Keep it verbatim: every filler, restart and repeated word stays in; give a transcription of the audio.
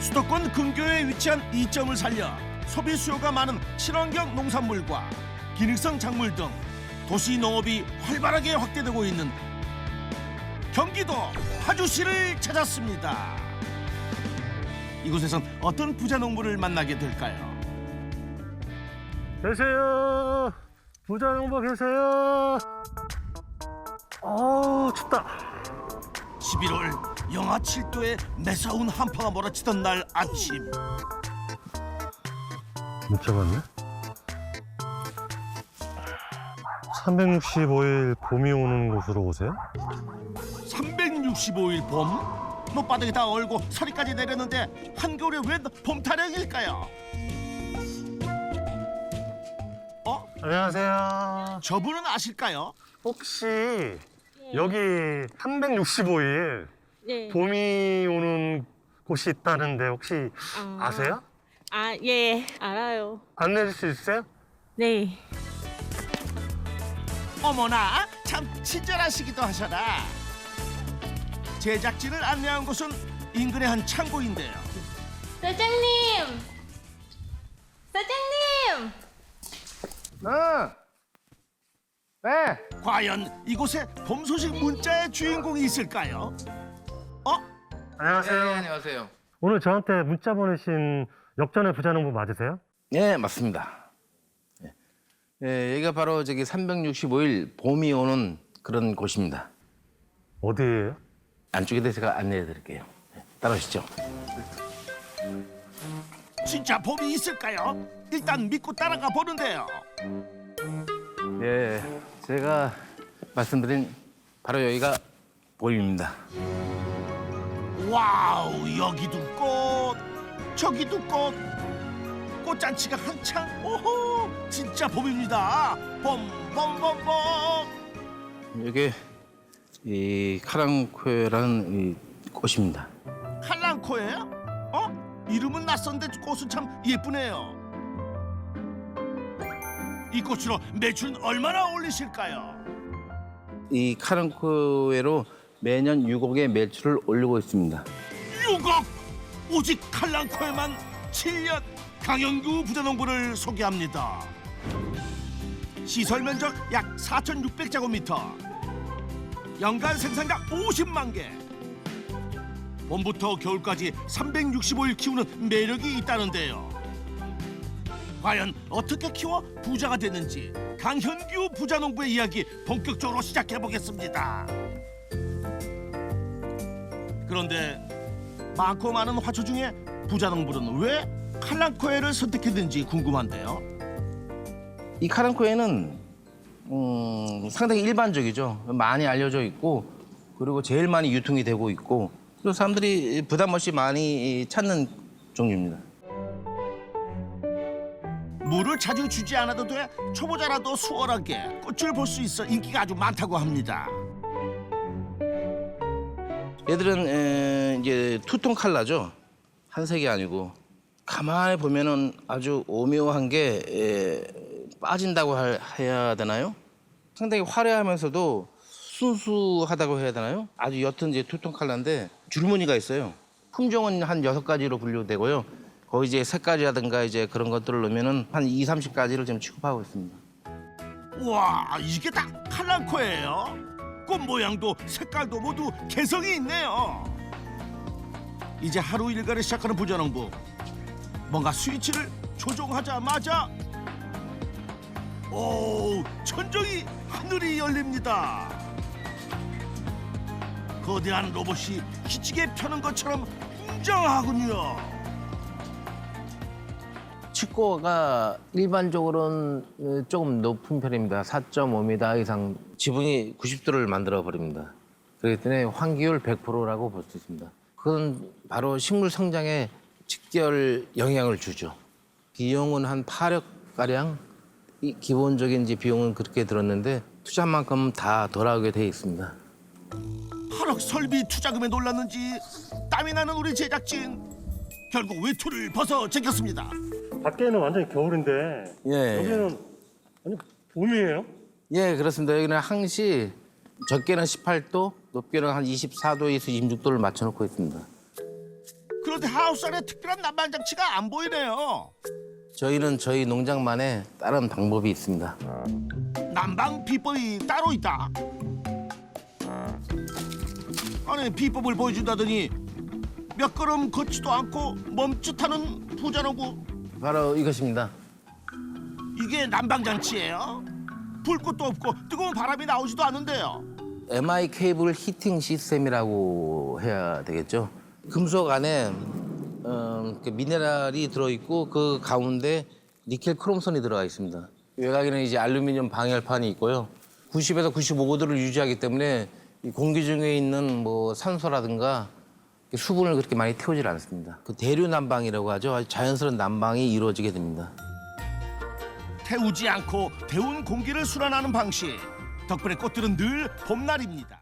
수도권 근교에 위치한 이점을 살려 소비 수요가 많은 친환경 농산물과 기능성 작물 등 도시 농업이 활발하게 확대되고 있는 경기도 파주시를 찾았습니다. 이곳에선 어떤 부자 농부를 만나게 될까요? 계세요. 부자 농부 계세요. 어우 춥다. 십일월 영하 칠 도에 매서운 한파가 몰아치던 날 아침. 문자 왔네. 삼백육십오 일 봄이 오는 곳으로 오세요? 삼백육십오 일 봄? 못바닥이 다 얼고 서리까지 내렸는데 한겨울에 웬 봄 타령일까요? 어? 안녕하세요. 저분은 아실까요? 혹시 여기 삼백육십오 일 네. 봄이 오는 곳이 있다는데 혹시 아. 아세요? 아, 예, 알아요. 안내해 줄 수 있어요? 네. 어머나 참 친절하시기도 하셔라. 제작진을 안내한 곳은 인근의 한 창고인데요. 사장님! 사장님! 응. 네. 과연 이곳에 봄 소식 문자의 주인공이 있을까요? 어? 안녕하세요. 네, 안녕하세요. 오늘 저한테 문자 보내신 역전의 부자 농부 맞으세요? 네, 맞습니다. 네. 네, 여기가 바로 저기 삼백육십오 일 봄이 오는 그런 곳입니다. 어디예요? 안쪽에 대해서 제가 안내해 드릴게요. 네, 따라오시죠. 진짜 봄이 있을까요? 일단 믿고 따라가 보는데요. 네, 제가 말씀드린 바로 여기가 봄입니다. 와우, 여기도 꽃, 저기도 꽃. 꽃잔치가 한창. 오호, 진짜 봄입니다. 봄, 봄, 봄, 봄. 이게 이 카랑코에라는 이 꽃입니다. 칼랑코예요? 어? 이름은 낯선데 꽃은 참 예쁘네요. 이 꽃으로 매출은 얼마나 올리실까요? 이 카랑코에로 매년 육억의 매출을 올리고 있습니다. 육억! 오직 칼랑코에만 칠 년 강영규 부자농부를 소개합니다. 시설 면적 약 사천육백 제곱미터, 연간 생산량 오십만 개. 봄부터 겨울까지 삼백육십오 일 키우는 매력이 있다는데요. 과연 어떻게 키워 부자가 됐는지 강현규 부자농부의 이야기 본격적으로 시작해 보겠습니다. 그런데 많고 많은 화초 중에 부자농부는 왜 칼랑코에를 선택했는지 궁금한데요. 이 카랑코에는 음, 상당히 일반적이죠. 많이 알려져 있고 그리고 제일 많이 유통이 되고 있고 그리고 사람들이 부담 없이 많이 찾는 종류입니다. 물을 자주 주지 않아도 돼 초보자라도 수월하게 꽃을 볼 수 있어 인기가 아주 많다고 합니다. 얘들은 에, 이제 투톤 칼라죠. 한색이 아니고 가만히 보면은 아주 오묘한 게 에, 빠진다고 할, 해야 되나요? 상당히 화려하면서도 순수하다고 해야 되나요? 아주 옅은 이제 투톤 칼라인데 줄무늬가 있어요. 품종은 한 여섯 가지로 분류되고요. 거기 이제 색깔이라든가 이제 그런 것들을 넣으면은 한 이십, 삼십 가지를 지금 취급하고 있습니다. 와, 이게 다 칼랑코예요. 꽃 모양도 색깔도 모두 개성이 있네요. 이제 하루 일과를 시작하는 부자농부. 뭔가 스위치를 조종하자마자 오, 천정이 하늘이 열립니다. 거대한 로봇이 기지개 펴는 것처럼 웅장하군요. 치과가 일반적으로는 조금 높은 편입니다. 사 점 오 미터 이상 지붕이 구십 도를 만들어 버립니다. 그렇기 때문에 환기율 백 퍼센트라고 볼 수 있습니다. 그건 바로 식물 성장에 직결 영향을 주죠. 비용은 한 팔억 가량, 이 기본적인 이제 비용은 그렇게 들었는데 투자한 만큼 다 돌아오게 돼 있습니다. 팔억 설비 투자금에 놀랐는지 땀이 나는 우리 제작진. 결국 외투를 벗어 제꼈습니다. 밖에는 완전히 겨울인데 예, 여기는 완전 봄이에요? 예, 그렇습니다. 여기는 항시 적게는 십팔 도, 높게는 한 이십사 도에서 이십육 도를 맞춰놓고 있습니다. 그런데 하우스 안에 특별한 난방 장치가 안 보이네요. 저희는 저희 농장만의 다른 방법이 있습니다. 난방 비법이 따로 있다. 아니 비법을 보여준다더니 몇 걸음 걷지도 않고 멈칫하는 부자농부. 바로 이것입니다. 이게 난방 장치예요? 불꽃도 없고 뜨거운 바람이 나오지도 않는데요. 엠아이 케이블 히팅 시스템이라고 해야 되겠죠. 금속 안에 어, 그 미네랄이 들어있고 그 가운데 니켈 크롬선이 들어가 있습니다. 외곽에는 이제 알루미늄 방열판이 있고요. 구십에서 구십오 도를 유지하기 때문에 이 공기 중에 있는 뭐 산소라든가 수분을 그렇게 많이 태우질 않습니다. 그 대류 난방이라고 하죠. 아주 자연스러운 난방이 이루어지게 됩니다. 태우지 않고 데운 공기를 순환하는 방식. 덕분에 꽃들은 늘 봄날입니다.